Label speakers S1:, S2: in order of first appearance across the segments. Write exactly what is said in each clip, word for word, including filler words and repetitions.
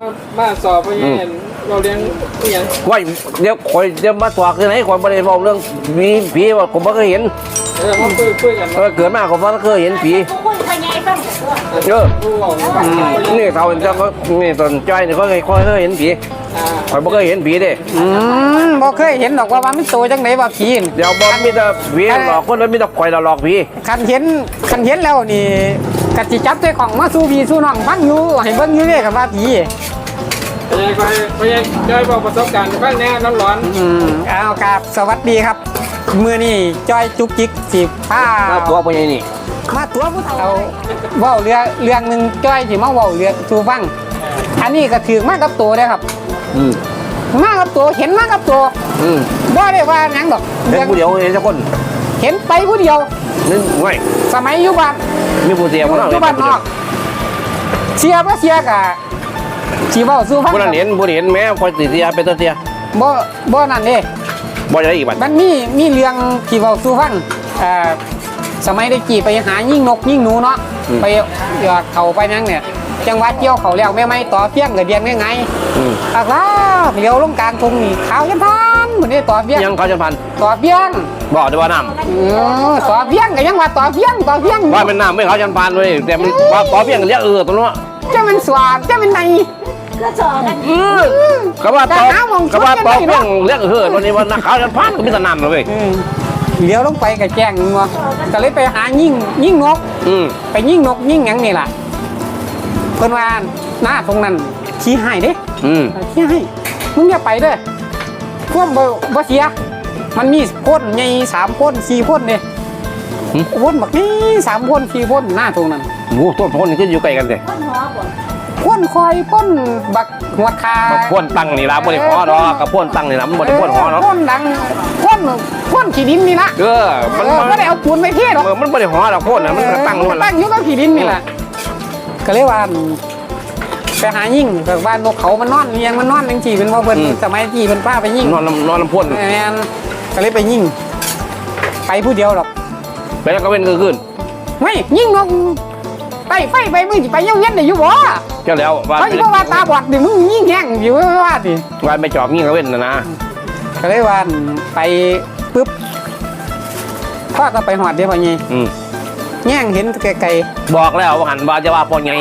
S1: มาสอบไปยังเราเลี้ยงอย่าง
S2: ว่าเดี๋ยวคอยเดี๋ยวมาตรวจคือไหนคอยไม่ได้บอกเรื่องผีผีว่าผมไม่เคยเห็น
S1: เออมาคุยคุยกัน
S2: เกิดมาผมไม่เคยเห็นผีเออนี่เขาจะก็นี่ตอนใจเนี่ยเขาเคยเคยเห็นผีคอยไม่เคยเห็นผีเด้
S3: อืมบ่เคยเห็นหรอกว่ามันโตจังไหนว่าผี
S2: เดี๋ยวบอกมีแต่ผีหลอกคนแล้วมีแต่คอยหลอกผี
S3: คันเห็นคันเห็นแล้วนี่กะจิจับใจของมาสู้พี่สู้น้องฟังอยู่ให้เบิ่งอยู่เด้กับว่าผี
S1: ไปไปไปจอยบอกประสบการณ์บ้างแน่น้ำร้อน
S3: อืมเอาครับสวัสดีครับมือนี่จอยจุกจิกสิผ้า
S2: ตัวเป็นยังนี่
S3: มาตัวผู้เฒ่าเว้าเรื่องเรื่องหนึ่งจอยสิมาเว้าเรื่องสู่ฟังอันนี้ก็ถือมากับตัวได้ครับ
S2: อืม
S3: มากับตัวเห็นมากับตัว
S2: อืม
S3: บ่ได้ว่าหยังดอก
S2: เห็นผู้เดียวเห็นสักคน
S3: เห็นไปผู้เดียว
S2: นึกไว้
S3: สมัยอยู่บ้าน
S2: มีผู้เดียว
S3: อยู่บ้านนอกเสียบ่เสียกะสิเว้าสู่ฟัง
S2: ผู้นั้นเห็นผู้นี้เห็นแม้คอยติเสียเป็นตัวเสีย
S3: บ่บ่นั่นเด้
S2: บ่ได้อีกบัด
S3: มันมีมีเรื่องที่เว้าสู่ฟังเอ่อสมัยได้กี่ไปหายิ่งนกยิ่งหนูเนาะไปอยากเขาไปนั่งเนี่ยจังหวัดเกี่ยวเขาแล้วแม่ไม้ต่อเพี้ยงกับเดียนง่ายๆอะครับเลี้ยวลงกลางตรงนี้ขาวยันพันเหมือนนี่ต่อเพี้ยง
S2: ยังเขายันพัน
S3: ต่อเพี้ยง
S2: บอกด้วยว่าน้
S3: ำต่อเพี้ยงกับยังว่าต่อเพี้ยงต่อเพี้ยง
S2: ว่าเป็นน้ำไม่เขายันพันเลยแต่มันว่าต่อเพี้ยงเรียกเออตรงนู้น
S3: จะเป็นสวาดจะเป็นใน
S2: ก็สอนก็ว่าต่อก็ว่าต่อเพี้ยงเรียกเออวันนี้ว่านักเขายันพันก็มีแต่น้ำเลย
S3: เลี้ยวลงไปกับแจ้งงัวก็เลยไปหายิ่งยิ่งนกไปยิ่งนกยิ่งยังนี่แหละเพิ่นว่าหน้าตรงนั้นชี้ให้เด้ชี้ให้มึงอย่าไปเด้อพวกบ่เสียมันมีพ่นใหญ่สามพ่นสี่พ่นเนี่ยพ่นแบบนี้สามพ่นสี่พ่นหน้าตรงนั้น
S2: โอ้ต้นพ่นนี่ก็อยู่ใกล้กันเลย
S3: พ่นคอยพ่นบักหัวคา
S2: พ่นตั้งนี่ละบ่ได้พอดอกกับพ่นตั้งนี่ละมันบ่ได้พ่นหอเนาะ
S3: พ่นดังพ่นพ่นขี้ดินนี่ละ
S2: เออมัน
S3: ไม่ได้เอาปูนไปเทหรอก
S2: มันบ่ได้หอดอกพ่นน่ะมันตั้งนู่น
S3: ละตั้งอยู่กับขี้ดินนี่แหละก็เลยว่าไปหายิ่งแบบว่านกเขามันนอนเลี้ยงมันนอนจริงๆเป็นว่าเพิ่นสมัยที่เพิ่นป้าไปยิ่ง
S2: นอนนอนลำพ่น
S3: แม่นก็เลยไปยิ่งไปผู้เดียวหรอก
S2: ไปแล้วก็เป็นก็ขึ้น
S3: ไม่ยิ่งนกไปไฟไปมึงไปเยี่ยมเย็นได้อยู่บ่
S2: เจ้าแล้ว
S3: ว่าเขาว่าตาบอดดิมึงยิ่งแห้งอยู่ว่าดิ
S2: ว่าไปจอบยิ่งก็เว้นนะนะ
S3: ก็เลยว่าไปปุ๊บพ่อก็ไปหอดเดี๋ยวพอยี่แง่งเห็นไกล
S2: ๆบอกแล้วว่าหันบาจะว่าพอไง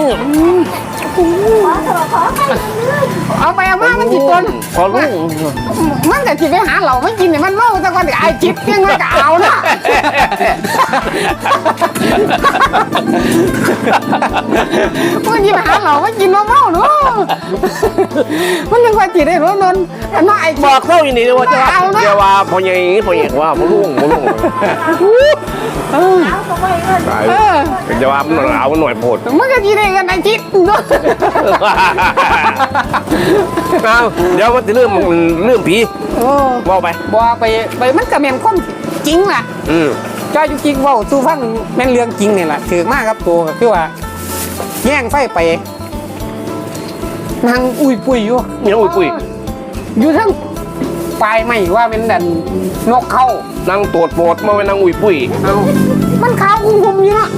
S3: เอาไปเอามามันจิตตัว
S2: พอรู้
S3: มันแต่จิตไปหาเหล่าไม่กินเนี่ยมันเมาแต่ก่อนไอ้จิตยังไงก็เอานะมันจิตไปหาเหล่าไม่กินมาเมาหนูมันยังว่าจิตได้รู้นนน่าไอ้
S2: บอกเข้าอย่างนี้ว่าจะว่าจะว่าพอไงพอไงว่าพอรู้พอรู้จะว่ามันเอาหน่อยโผล่
S3: มันก็จีได้กันไอ้จิต
S2: เอาเดี๋ยวมันจะเรื่องเรื่องผีบอกไป
S3: บอกไปไปมันจะเป็นคนจริงแหละจ้าจริงว่าสู้ฟังแม่นเรื่องจริงเนี่ยแหละถือมากครับตัวคือว่าแย่งไฟไปนางอุ้ยปุยอยู่
S2: เนี่ยอุ้ยปุย
S3: อยู่ทั้งปลายไม่ว่าเป็นดันนกเข้
S2: านางตรวจโปรดมาเป็นนางอุ้ยปุย
S3: เอามันขาวคุ้มๆอยู่เนาะ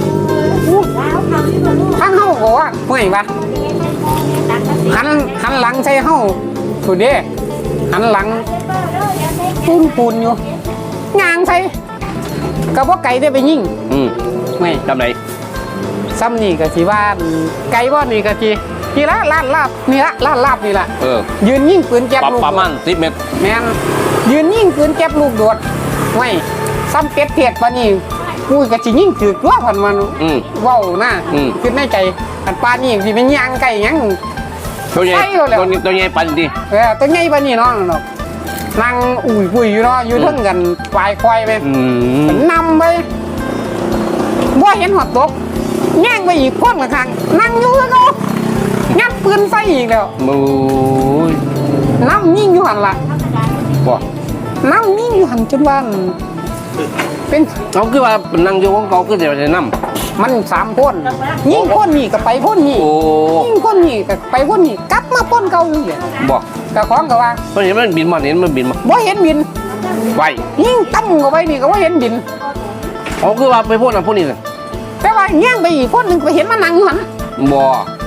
S3: ทั้งเข้าบอกว่าเมื่อยปะหันหันหลังใส่เข้าสุดเด้หันหลังปูนปูนอยู่งางใส่กระเพาะไก่ได้ไปยิ่ง
S2: ไม่ทำไหน
S3: ซ้ำนี่ก็สีว่าไก่ว่านี่ก็ทีทีละลาดลาบนี่ละลาดลาบนี่ละยืนยิ่งปืนแก๊บลูก
S2: ประมาณสิบเมตร
S3: แมนยืนยิ่งปืนแก๊บลูกโดดไม่ซ้ำเป็ดเทียดปะนี่กูก็จะยิ่งถือว่าผ่านมันว้าวนะคือในใจอันปลานี่ที่เป็นย่างไก่ยัง
S2: ตัวใหญ่ตัวนี้ตัวใหญ่ปันดี
S3: เออตัวใหญ่ปะนี่น้องเนาะนั่งอุ่ยปุยอยู่เนาะอยู่ทั้งกันปลายควายไปนำไปว่าเห็นหัวตกแง่งไปอีกคนละครั้งนั่งอยู่แล้วเนาะงัดปืนใส่อีกแล้ว
S2: มู
S3: น้ำยิ่งอยู่หันละ
S2: บ่
S3: น้ำยิ่งอยู่หันจนวันเป็น
S2: เขาคือว่านั่งอยู่ของเขาคือเดี๋ยวจะนั่ม
S3: มันสามพ่นยิ่งพ่นนี่กับไปพ่นนี่ยิ่งพ่นนี่กับไปพ่นนี่กลับมาพ่นเก่าอยู่
S2: บอก
S3: กับของกับว่า
S2: เพราะเห็นมันบินมาเห็นมันบินมา
S3: บ่เห็นบิน
S2: ไป
S3: ยิ่งตั้มกับไปนี่ก็ว่าเห็นบิน
S2: เขาคือว่าไปพ่นอ่ะพ่นนี่เลย
S3: แต่ว่าเงี้ยงไปอีกพ่นหนึ่งไปเห็นมันนั่งหัน
S2: บ่โ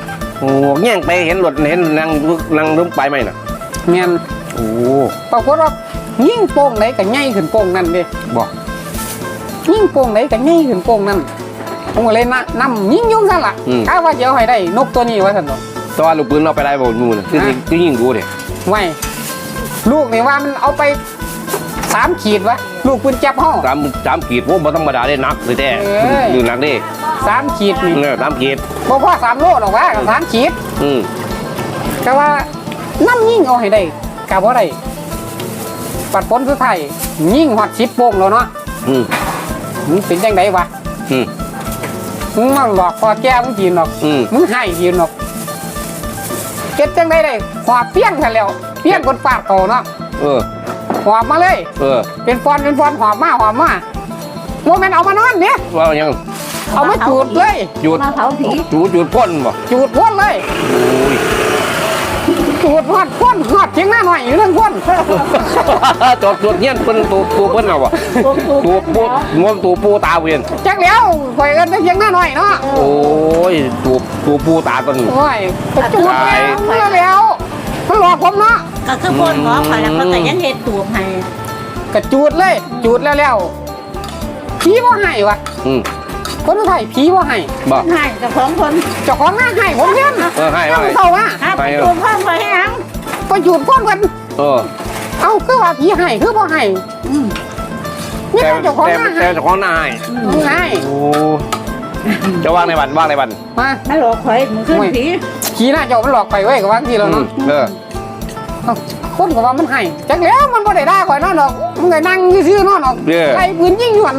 S2: โอ้แย่งไปเห็นรถเห็นนั่งนั่งล้มไปไหมน่ะ
S3: เมียน
S2: โอ้
S3: ปรากฏว่ายิ่งโป่งไหนก็ใหญ่ขึ้นโป่งนั่นเด้
S2: บอก
S3: ยิ่งโป่งไหนก็ใหญ่ขึ้นโป่งนั่นผมก็เลยนะนำยิ่งยุ่งซะละกะว่าเดี๋ยวให้ได้นกตัวนี้ไว้ซั่นดอก
S2: ตอนลูกปืนเราไปได้บ่มูน่ะคือคือยิงกูเด้
S3: ไว้ลูกนี่ว่ามันเอาไปสามขีดวะลูกปืนจับห้อง
S2: สามสามขีดพวกบ่ธรรมดาได้นักเลยแท้
S3: เอ้ย
S2: ดูหนักเด้
S3: สามขีดนี่
S2: เออสามขีด
S3: บ่พอสามโลหรอกวะสามขีด
S2: อืม
S3: ก็ว่าน้ำยิ่งเอาให้ได้กะบ่ได้ปัดผลสุดท้ายยิ่งฮอดสิบโป่งแล้วเนาะ
S2: อืม
S3: มึงเป็นจังไดวะ
S2: อืม
S3: มึงมาหลอกพอแก้มึงกินหรอก
S2: อืม
S3: มึงให้กินหรอกเก็บจังไดได้หอบเปี้ยงกันแล้วเปี้ยงคนปาดเขาเนาะ
S2: เออ
S3: หอบมาเลย
S2: เออ
S3: เป็นฟอนเป็นฟอนหอบมาหอบมาโมเมนต์เอามานอนเนี่ย
S2: ว่ายัง
S3: เอามาจูดเลย
S2: หยุด
S4: มาเผาผี
S2: จูดหยุดพ่นบ่
S3: จูดพ่นเลย
S2: โอ้ย
S3: จูดหอดพ่นหอดเพียงหน้าหน่อยอยู่เรื่องพ่น
S2: จดจดเงี้ยเพิ่นตัวตัวเพิ่นเอาบ่
S4: ปุ๊บปุ๊บ
S2: ตัวปูงวงตัวปูตาเวียน
S3: จักแล้วคอยกันได้เพียงหน้าหน่อยเนาะ
S2: โอ้ยตัวตัวปูตาตน
S3: โอ้ยไปจูดแล้วแล้วมันหลอกผมเนาะ
S4: ก็คือพ่นหมอคอยแล้วก็แต่ยังเห็ดตูบให้
S3: ก็จูดเลย จูดแล้วแล้วผีบ่ให้วะ
S2: อืม
S3: คนไทยผีบ่ให้
S2: บ่
S4: ให้กับของคน
S3: เจ้าของหน้าให้ผมเนี่ย
S2: เออให้ว่าไง
S3: เท่าว่า
S4: ครับตูบเพิ่มไปให้ยัง
S3: ไปจูดพ่นกัน
S2: เออ
S3: เอาคือว่าผีให้คือบ่ให้นี่
S2: แต่
S3: เจ้าของ
S2: แต่
S3: หน้า
S2: แต่
S3: ให้
S2: เจ้าของหน้าให้
S3: ให้
S2: โอ้จะว่างในบันว่างในบัน
S3: มา
S4: ไม่หลอกคอยมึงขึ้นผี
S3: ขี่หน้าเจ้ามันหลอกไปไว้กับว่าที่เรา
S2: อื
S3: เนาะ
S2: มเออ
S3: เอ้าคนก็ว่ามันให้จักแล้วมันบ่ได้ด่าข่อยนอนดอกมันก็นั่งซื่อๆนอนดอก
S2: เออ
S3: ไอ้ปืนยิงอยู่อัน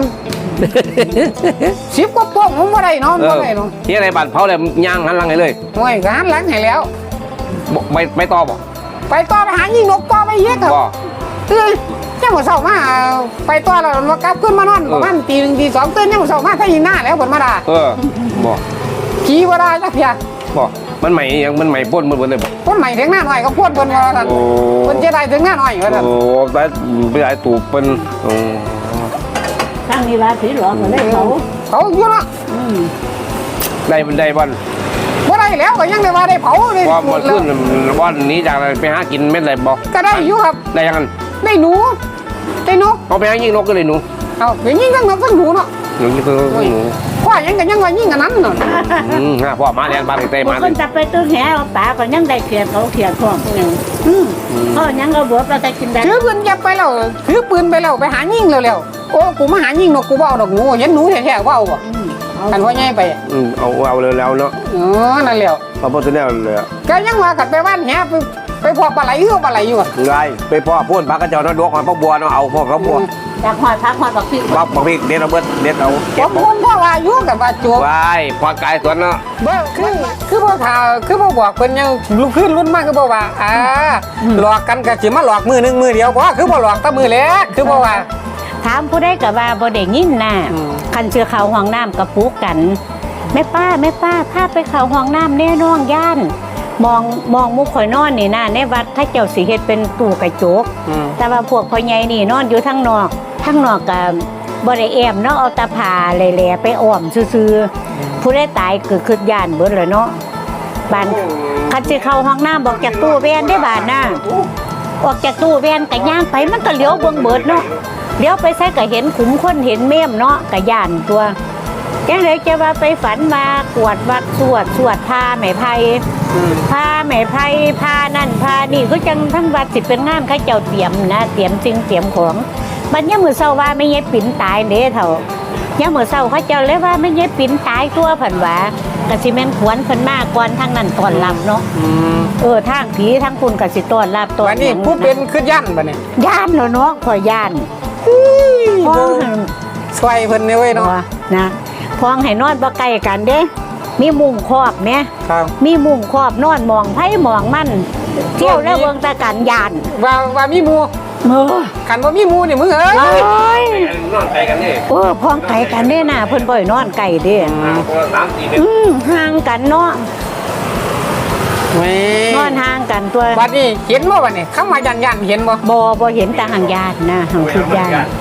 S3: สิบกว่าโป้งมันบ่ได้เนาะ
S2: เอ
S3: บ่
S2: อ
S3: ได้เนาะ
S2: ที่ในบันเผาเลยย่างหันหลังให้เลย
S3: โอ้ยก็หันหลังให้แล้ว
S2: บ่ไม่ไม่ตอบบ่
S3: ไปต่อไปหายิงนกต่อไปเยอะครับ
S2: บ่
S3: เอ้ยยังบ่เช้ามาไปต่อแล้วมากลับขึ้นมานอน
S2: เออ
S3: ประมาณตีหนึ่งตีสองตื่นยังบ่เช้ามาถ้ายิงหน้าแล้วเพิ่นมาด่า
S2: เออบ่
S3: ขี่บ่ได้จักเที่ย
S2: บ่มันใหม่ยังมันใหม่ป้นมันหมดเลยบ่
S3: คนใหม่ถึงหน้าหน่อยก็พูดเพิ่นว่าซั่น
S2: โอ้
S3: เพิ่นจะได้ถึงหน้าหน่อยว่าซั่น
S2: โอ้ได้ไปได้ตูเปิ้นโอ้
S4: ข้างนี้ว่าผีหลอกก็เลยเผา
S3: เขาอยู่เนาะ
S4: อืม
S2: ได้ได้บัน
S3: บ่ได้แล้วก็ยังได้ว่าได้เผาเลย
S2: ว่ามันขึ้นวันนี้จากอะไรไปหากินเม็ดอะไรบ่
S3: ก็ได้อยู่ครับ
S2: ได้ยังกัน
S3: ได้หนูได้นก
S2: เอาไปหายิงนกก็เลยหนู
S3: เอาไปยิงทั้งนกทั้งหนูเนาะ
S2: หนูนี่คือหนู
S3: พ่อยังกันยังว่ายิงกันนั้นเนาะ
S2: อืมฮะพ่อมาเรียนบ้านเต้
S4: บา
S2: มา
S4: งคนจับไปตื้อแหเอาปลาก็ยังได้เขียดเขาเขียดพวกอย่างอืมก็ยังเอาบวบเราจะกินได้
S3: ถือปืนจับไปแล้วถือปืนไปแล้วไปหายิงเร็วๆโอ้กูมาหายิงนกกูบ่เอาดอกหนูเห็นหนูแท้ๆว่าเอาบ่
S4: อืมเอา
S3: กันว่าใหญ่ไป
S2: อืมเอาเอาเลยแล้วเนาะ
S3: อ๋อนั่นแล้ว
S2: เอาพอตัวนี้เลย
S3: ก็ยังว่ากันไปบ้านแหไปไปพอปลาไหลเอื้อปลาไหลอยู่อ่ะ
S2: ไงไปพ่อพูดพักกระเจ้าเนาะดวกหอยพักบัวเนาะเอาพ่อเขาบัว
S4: จากหอยพักหอยบักพริก
S2: พักบักพริกเด็ดเอาเบิดเด็ดเอา
S3: ผ
S2: เก็บ
S3: มคนพ่อว่าอยู่กับว่าจวบ
S2: ไว้พ่อกายสวนเนาะ
S3: เบ่คือคือบ่ข่าวคือบ่บอกเพิ่นยังลุกขึ้นรุ่นมากคือบ่ว่าอ่าหลอกกันก็สิมาหลอกมือหนึงมือเดียวบ่คือบ่หลอกแต่มือแรกคือบ่ว่า
S4: ถามผู้ได้กับว่าบ่ได้ยินน่ะ
S3: อืม
S4: คันเชื่อเขาห้องน้ำกับปุกกันแม่ป้าแม่ป้าพาไปเขาห้องน้ำแน่น้องย่านมองมองมุกข่อยนอนนี่นะในวัดถ้าเจ้าสิเฮ็ดเป็นตู้กระจก
S3: อืม
S4: แต่ว่าพวกพ่อใหญ่นี่นอนอยู่ทางนอกทางนอกกับบ่ได้แอมเนาะเอาตาผาแหล่ๆไปอ้อมซื่อๆผู้ได้ตายก็คือย่านเบิดแล้วเนาะบ้านคันสิเข้าห้องน้ำบอกจากตู้แว่นได้บาดน่ะออกจากตู้แว่นก็ย่างไปมันก็เลี้ยวเบิ่งเบิดเนาะเลี้ยวไปใส่ก็เห็นขุมคนเห็นเมมเนาะก็ย่านตัวจังเลยจะว่าไปฝันมากวดวัดสวดสวดพาแม่ไผพาแม่ไผพานั่นพานี่ก็จังทั้งวัดสิเป็นงานเขาเจ้าเตรียมนะเตรียมสิ่งเตรียมของบัดยามมื้อเช้าว่าไม่เย็บปิ่นตายเด้เฒ่ายามมื้อเช้าเขาเจ้าเลยว่าไม่เย็บปิ่นตายตัวเพิ่นว่าก็สิแม่นขวนเพิ่นมาก่อนทางนั้นต้อนรับเนาะ
S3: อืม
S4: เออทางผีทางคุณก็สิต้อนรับต้อน
S3: วันนี้ผู้เป็นคือยันบัดนี้
S4: ย่านเนาะขอย่านพ้องให้
S3: ช่วยเพิ่นนี่เว้ยเนาะ
S4: นะพ้องให้นอนบ่ใกล้กันเด้มีมุ้งครอบแหม
S3: ครับ
S4: มีมุ้งครอบนอนมองไผมองมันเที่ยวแล้วเบิ่งแตะกันย่าน
S3: ว่าว่ามีหมู่
S4: เออ
S3: คันบ่มีหมู่นี่มึงเอ้ย
S4: โอ้ย
S2: นอนไกลกันนี่
S4: เออพ้องไกลกันเด้น่ะเพิ่นบ่ให้นอนไกลเด้
S2: คนละสามสี่เมตร
S4: อืมห่างกันเนาะ
S3: แหม่
S4: นอนห่างกันตัว
S3: บัดนี้เห็นบ่บัดนี้คำว่ายันยันเห็นบ่
S4: บ่บ่เห็นแต่ห่างญาตินะห่างคือญาติ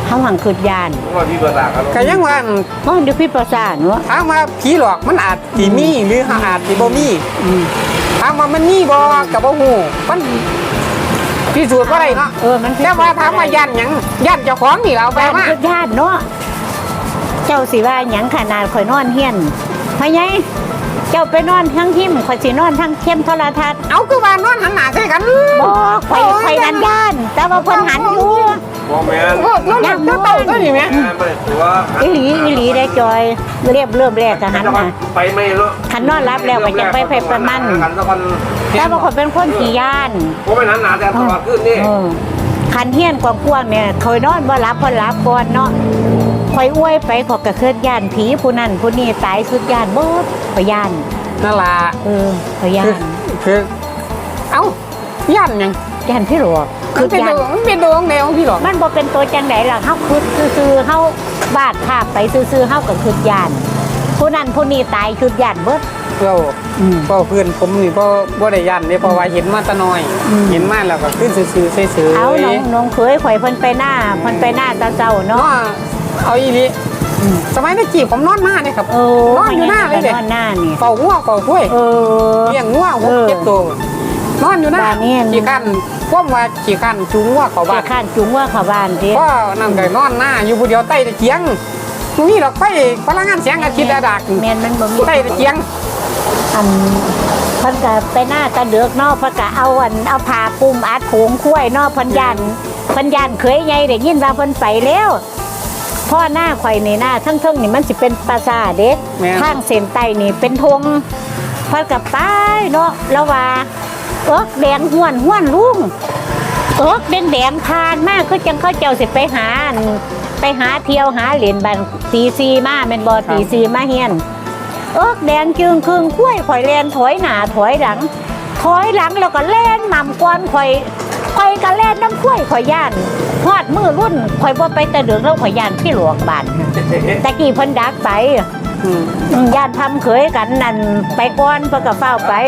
S4: เฮาหังคืดยาน
S2: ว่าพี่ภาษากัน
S3: ก็ยังว่า
S4: อ๋อเดี๋ยวพี่ประสานเนาะ
S3: ถามว่าผีหลอกมันอาจสิมีหรืออาจสิบ่มี
S4: อืม
S3: ถามว่ามันมีบ่ก็บ่ฮู้มันพิสูจน์บ่ได้เนาะ
S4: เออมัน
S3: แต่ว่าถามว่าย่านหยังย่านเจ้าของนี่เราไป
S4: บ้าน
S3: มา
S4: คืดยานเนาะเจ้าสิว่าหยังขนาดข่อยนอนเฮียนพ่อใหญ่เจ้าไปนอนทั้งหิมข่อยสินอนทั้งเข้มโทรทัศน์
S3: เอาคือว่านอนหันหน้าใส่กัน
S4: บ่ข่อยข่อยนั่นย่าน แต่ว่าเพิ่นหันอยู่
S2: บ่แม่น
S3: โอ้นอนเจ้าเต่าตัวนี้แม่
S2: ไม่ถือว่า
S4: อีหลีอีหลีได้จอยเรียบเริ่มแรกก็หันมา
S2: ไปไม่รู้
S4: คันนอนรับแล้วก็จะไปไปประมัน
S2: กันตะวัน
S4: แต่ว่าข่อยเป็นคนขี้ย่าน
S2: ผมไม่นั้นหนาแต่ตลอดขึ้นนี่
S4: เออคันเฮียนกว้างๆเนี่ยเคยนอนบ่หลับพอหลับก่อนเนาะคอยอ้วยไปขอยกระเคลื่อนย่านผีผู้นั้นผู้นี้ตายคือย่านเบิดขอยย่าน
S3: นั่นล่ะ
S4: เออขอยย่า
S3: คือน คือเอ้าย่านหยัง
S4: ย่านพี่หลวง
S3: มั
S4: คื
S3: น
S4: อ
S3: เป็น
S4: ย่าน
S3: ตัวมันเป็นตัวของแนวของพี่หลอก
S4: มันบ่เป็นตัวจังไดล่ะเฮาคืดซื่อๆเฮาบาดภาพไปซื่อๆเฮาก็คือย่าน ผู้นั้นผู้นี้ตายคือย่านเบิด
S3: เรา
S4: อืม
S3: เพราะเพื่อนผมนี่เพราะบ่ได้ย่านนี่เพราะว่าเห็นมาแตะน้อย
S4: อืม
S3: เห็นมาแล้วก็ขึ้นซื่อๆเฉยๆ
S4: เอาน้องน้องเคยข่อยเพิ่นไปหน้าเพิ่นไปหน้าตาเจ้า
S3: เนาะ
S4: เนาะ
S3: เอาอีหลี
S4: อืม
S3: สมัยนี้จีบผมนอนมาเนี่ยครับ
S4: เออน
S3: อนอยู่หน้าเลยเด็
S4: นอนหน้านี่
S3: เฝ้างัวเฝ้าคุ้ย
S4: เออ
S3: เลี้ยงงัวหก
S4: เออ
S3: เจ็ดตัวนอนอยู่หน้า
S4: บ้านนี่
S3: ขี่ขันพวกว่าขี่ขันจูงงัวเข้าบ้า
S4: แต่
S3: น
S4: ข้านจุงว่าเข้าบ้านติ
S3: ก็นั่งก็นอนหน้าอยู่ผู้เดียวใต้ตะเกียงนี่ดอกไฟพลังงานแสงอาทิตย์ระดับ
S4: แม่นมันบ่มี
S3: ใต้ตะเกียง
S4: อันเพิ่นก็ไปหน้าตะเดือกเนอกเพิ่นก็เอาอันเอาผ้าปุ้มอัดโผงคุ้ยเนอกเพิ่นยันเพิ่นยันเคยไงได้ยินว่าเพิ่นไปแล้วพ่อหน้าข่อยนี่หน้าทั้งๆนี่มันสิเป็นปราสาทเด็ก
S3: แม่น
S4: ทางเส้นใต้นี่เป็นธงเพิ่นก็ไปเนาะแล้วว่าเอิกแดงห้วนห้วนลุงเอิกแดงแดงผ่านมาคือจังเขาเจ้าสิไปหาอันไปหาเที่ยวหาเหรียญบันตีซีมาแม่นบ่ตีซีมาเฮียน เอิกแดงจึงครึงคุ้ยข่อยแลนถอยหน้าถอยหลัง ถอยหลังแล้วก็แล่นนำก้อนข่อยข่อยก็แล่นน้ำคุ้ยข่อยย่านฮอดมือรุ่นข่อยบ่ไปแต่เดือกแล้วข่อยย่านพี่หลวงบ้านตะกี้เพิ่นดักไป
S3: อืม
S4: อืมย่านทำเขยกันนั่นไปก้อนเพิ่นก็เฝ้าไป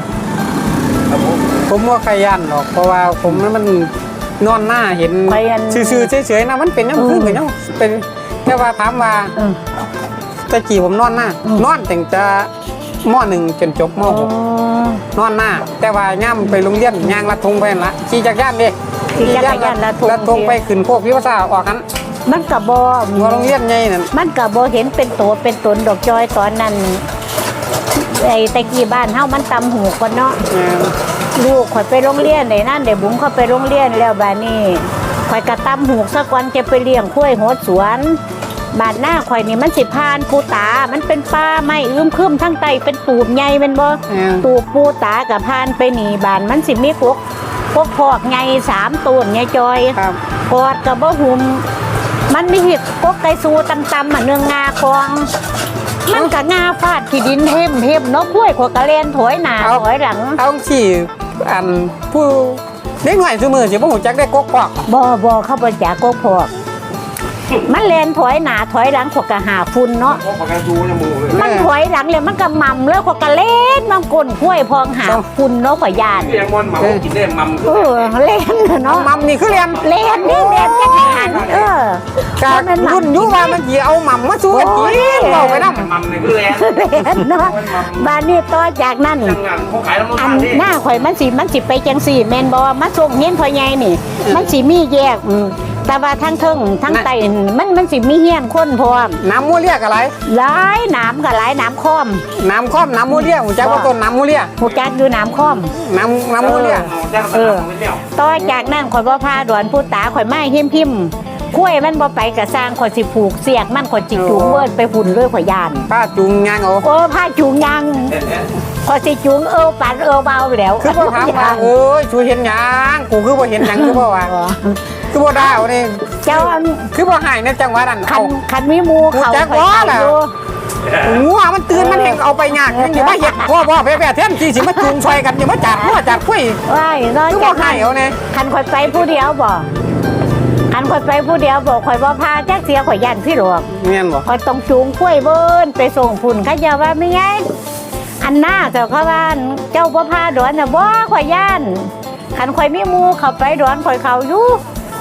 S3: ผมว่าใครย่านหรอกเพราะว่าผมนั้นมันนอนหน้าเห็น
S4: ไปอัน
S3: ซื่อๆเฉยๆนะมันเป็นยัง
S4: อืม
S3: คือเป็นยังเป็นแค่ว่าถามว่า
S4: เออ
S3: ตะกี้ผมนอนหน้า
S4: อืม
S3: นอนตั้งแต่มหนึ่งจนจบมหกนอนหน้า แต่ว่าย่ำไปโรงเรียนย่างลัดทงไปนั่นละขี่จักรยานเด้
S4: ขี่จักรยานลัดธง
S3: ลัดทงไปขึ้นโคกพิวษาออกกัน
S4: มันก็บ่
S3: หัวโรงเรียนใหญ่นั่น
S4: มันก็บ่เห็นเป็นตัวเป็นตนดอกจอยตอนนั้นไอ้ตะกี้บ้านเฮามันตำหูก่อนเนาะ
S3: เออ
S4: ลูกข่อยไปโรงเรียนได้นั่นได้บุ๋มเข้าไปโรงเรียนแล้วบาดนี้ข่อยกระตำหูกสักวันจะไปเลี้ยงข้วยโหดสวนบาดหน้าข่อยนี่มันสิพานปูตา มันเป็นป่าไม้อึมครึมทั้งใต้เป็นตูบใหญ่แม่นบ่
S3: เออ
S4: ตูบปูตากับพานไปหนีบานมันสิมีกกกกพอกใหญ่สามต้นใหญ่จอย
S3: ครับ
S4: กอดกับบ่หุมมันมีหิดกกไก่สูตำๆอ่ะเนืองงาคอง มันก็งาฟาดที่ดินเทมเทมเนาะกล้วยขวกระเลนถอยหน้าถอยหลัง
S3: เอาขี่อันผู้เด็กหน่อยซื้อมือสิบ่หูจักได้กกปอก
S4: บ่บ่เข้าไปจากกกพอกมันเลนถอยหน้าถอยหลังขวกระหาฝุ่นเนาะ
S2: พวกประกันดูจมูกเลย
S4: มันถอยหลังเลยมันก็มั่มแล้วขวกระเล่นมันก้นกล้วยพองหาฝุ่นเนาะขอยยาน
S2: เลี้ยงมันหมากินได้มัม
S4: เออเล่น
S3: น้อ
S4: เนาะ
S3: งมัมนี่คือเรียน
S4: เล่นนี่เล่นจักรยานเออ
S3: จากรุ่นอยุว่ามันสิเอาหม่ำมาสู้กันกินเว้าไปนำ
S2: มัมนี่คือแรง
S4: เล่นเนาะบ้านนี้ต่อจากนั้น
S2: ทำงานเขาขายแล้วมัน
S4: อัน
S2: นี่
S4: หน้าข่อยมันสิมันสิไปจังสี่แม่นบ่มาส่งเฮียนพ่อใหญ่นี่ มันสิมีแยกอืมแต่ว่าทั้งเทิงทั้งใต้มันมันสิมีเฮียนคนพร้อม
S3: น้ำมูเรียกอะไร
S4: หลายน้ำก็หลายน้ำค้อม
S3: น้ำค้อมน้ำมูเรียหูจักว่าต้นน้ำมูเรีย
S4: หูจักอยู่น้ำค้อม
S3: น้ำน้ำมูเรีย
S4: เออ ต่อจากนั้นข่อยบ่พาดวนผู้ตาข่อยไม้หิมพิมพ์คุ้ยมันบ่ไปกะสร้างข่อยสิผูกเสียกมันข่อยจิจูงเวิ้นไปหุ่นเลยข่อยยาน
S3: ป้าจุงยางเอา
S4: โอ้พาจูงยังข่อยสิจูงเอวปันเอวเบาแล้ว
S3: คือบ่ถามว่าเอ้ยชูเห็นหยังกูคือบ่เห็นหยังคือบ่ว่าคือบ่ได้เอานี่
S4: เจ้าอัน
S3: คือบ่หายในจังหวะนั้น
S4: คั
S3: เอา
S4: นคันมีหมูเขา
S3: หูจัก
S4: ข่อย
S3: ว่า
S4: ไป
S3: ล่ะ
S4: อยู่
S3: งัวมันตื่นมันแห่งเอาไปยากยังสิมาเฮ็ดพ่อพ่อแพ่ๆแท้สิสิมาจูงซอยกันอย่ามาจัดงัวจัดคุย
S4: ว้ายนอก
S3: คือบ่
S4: จาก
S3: หายเอาแน่
S4: คันข่อยไปผู้เดียวบ่คันข่อยไปผู้เดียวบ่ข่อยบ่พาจักเสียข่อยยันพี่หลวง
S3: แม่นบ่
S4: ข่อยต้องจูงกล้วยเบิ้นไปส่งพุ่นเขาเจะว่าไม่ไงอันหน้าเจ้าเขาว่าเจ้าบ่พาดอนน่ะบ่ข่อยย่านคันข่อยมีหมู่เข้าไปดอนข่อยเข้าอยู่คั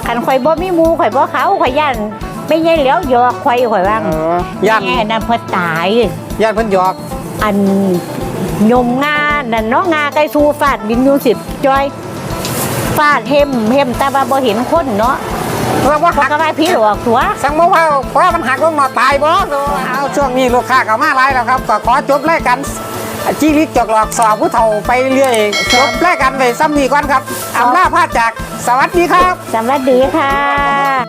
S4: คันข่อยบ่มีหมู่ข่อยบ่เขาข่อยย่านไม่ใช่เหลียวหยอกข่อยข่อยว่า
S3: เออย่าน
S4: แม่นั่นเพิ่นตาย
S3: ย่านเพิ่นหยอก
S4: อันยมงานั่นเนาะงาไก่สูฟาดบินอยู่สิบจอยฟาดเห็มเห็มแต่ว่าบ่เห็นคนเนาะ
S3: เราว่า
S4: เพราะ
S3: หัก
S4: ก็ว่าพี่หลอกตัว
S3: สั่งมาว่าเพราะมันหักลงมาตายบ่เอาช่วงนี้ลูกค้าเข้ามาหลายแล้วครับก็ขอจบรายการจีริกจอกหลอกสอบผู้เฒ่าไปเรื่อยจบรายการไปซ้ำนี้ก่อนครับอำลาพาจากสวัสดีครับ
S4: สวัสดีค่ะ